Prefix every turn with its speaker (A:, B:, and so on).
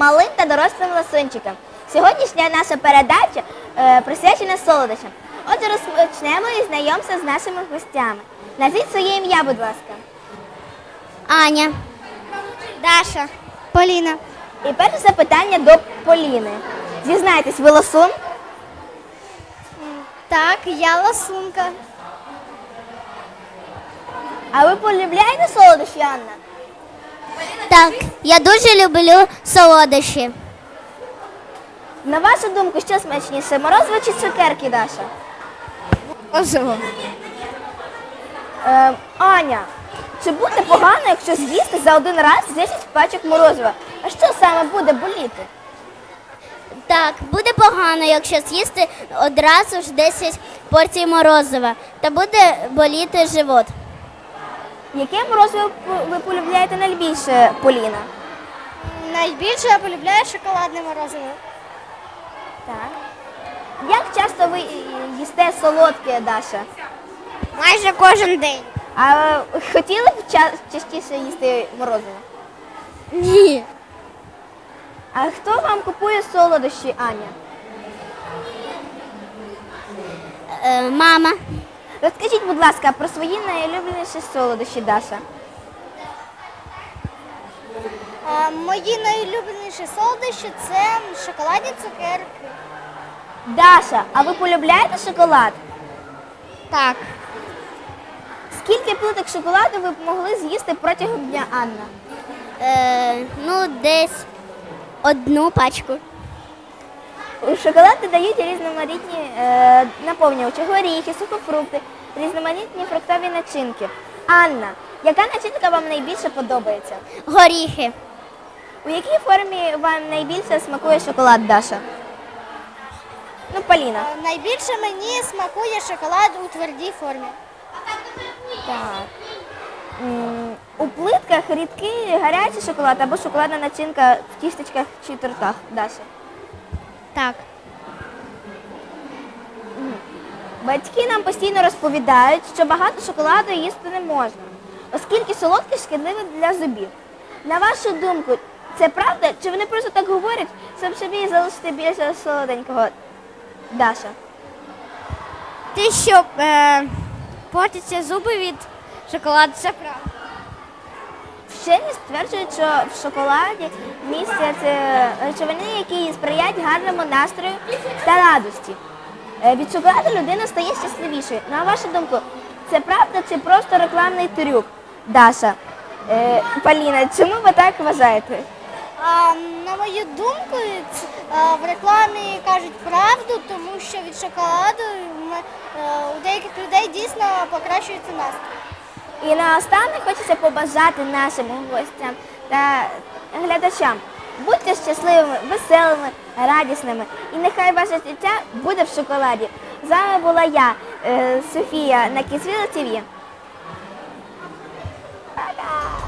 A: малим та дорослим ласунчикам. Сьогоднішня наша передача присвячена солодощам. Отже, розпочнемо із знайомства з нашими гостями. Назвіть своє ім'я, будь ласка.
B: Аня, Даша, Поліна.
A: І перше запитання до Поліни. Зізнайтесь, ви ласун?
B: Так, я ласунка.
A: А ви полюбляєте солодощі, Анна?
B: Так, я дуже люблю солодощі.
A: На вашу думку, що смачніше, морозиво чи цукерки, Даша?
B: Морозиво.
A: Аня, чи буде погано, якщо з'їсти за один раз 10 пачок морозива? А що саме буде боліти?
B: Так, буде погано, якщо з'їсти одразу ж 10 порцій морозива, та буде боліти живот.
A: Яке морозиво ви полюбляєте найбільше, Поліна?
B: Найбільше я полюбляю шоколадне морозиво.
A: Так. Як часто ви їсте солодке, Даша?
B: Майже кожен день.
A: А хотіли б частіше їсти морозиво?
B: Ні.
A: А хто вам купує солодощі, Аня?
B: Мама.
A: Розкажіть, будь ласка, про свої найулюбленіші солодощі, Даша.
B: Мої найулюбленіші солодощі – це шоколадні цукерки.
A: Даша, а ви полюбляєте шоколад?
B: Так.
A: Скільки плиток шоколаду ви б могли з'їсти протягом дня, Анна?
B: Десь одну пачку.
A: У шоколад додають різноманітні наповнювачі, горіхи, сухофрукти, різноманітні фруктові начинки. Анна, яка начинка вам найбільше подобається?
B: Горіхи.
A: У якій формі вам найбільше смакує шоколад, Даша? Ну, Поліна.
B: Найбільше мені смакує шоколад у твердій формі.
A: Так. У плитках рідкий гарячий шоколад або шоколадна начинка в тістечках чи тортах, Даша?
B: Так.
A: Батьки нам постійно розповідають, що багато шоколаду їсти не можна, оскільки солодке шкідливе для зубів. На вашу думку, це правда? Чи вони просто так говорять, щоб собі залишити більше солоденького, Даша?
B: Те, що портяться зуби від шоколаду, це правда.
A: Вчені стверджують, що в шоколаді містять речовини, які сприяють гарному настрою та радості. Від шоколаду людина стає щасливішою. На вашу думку, це правда чи просто рекламний трюк, Даша? Поліна, чому ви так вважаєте?
B: На мою думку, в рекламі кажуть правду, тому що від шоколаду у деяких людей дійсно покращується настрій.
A: І наостанок хочеться побажати нашим гостям та глядачам. Будьте щасливими, веселими, радісними. І нехай ваше життя буде в шоколаді. З вами була я, Софія, на Kidsville TV. Пока!